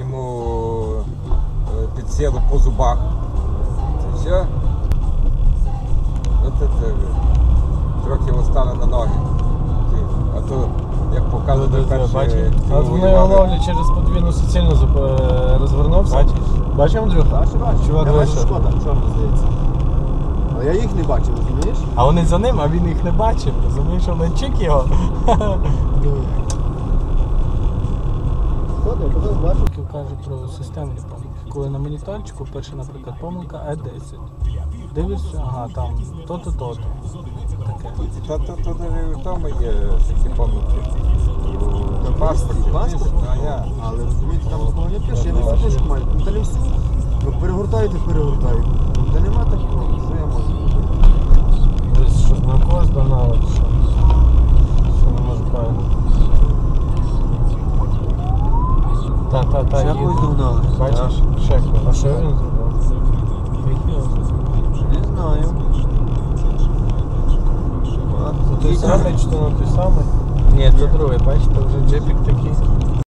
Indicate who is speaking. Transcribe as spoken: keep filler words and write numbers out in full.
Speaker 1: йому е, під силу по зубах. Це все. От це, трохи встали на ноги. А то, як показує перші...
Speaker 2: От вони його ловлять через подвійну суцільну розвернувся.
Speaker 3: Бачиш?
Speaker 2: Бачив, Андрюха?
Speaker 3: Бачу, бачу.
Speaker 2: Чувак
Speaker 3: Я бачу
Speaker 2: вийшов.
Speaker 3: Шкода, чорно здається. Але я їх не бачив, розумієш?
Speaker 2: А вони за ним, а він їх не бачив. Розумієш, що він чик його.
Speaker 3: Шкода, я казав, бачу.
Speaker 2: Кажуть про системні помилки. Коли на моніторчику пише, наприклад, помилка Е десять. Дивишся, ага, там то-то, то-то. Таке.
Speaker 1: Та то, то, то в тому є такі помилки. У паспорті.
Speaker 3: Паспорт?
Speaker 1: А я.
Speaker 3: Але розумієте, там такого не пише, я не всю книжку маю. Ну, та не всю. Ну, перегортаєте, перегортаєте. Ну, та нема такого, що я можу робити?
Speaker 2: Десь щось на когось догнало, чи що? Що не може правильно. Та, та, та,
Speaker 3: Ще
Speaker 2: їде.
Speaker 3: когось догнали.
Speaker 2: Бачиш? Ще когось. А що він зробив?
Speaker 3: Не знаю.
Speaker 2: Це той самий чи то не той самий? Ні, це другий, бачите, вже джипік такий.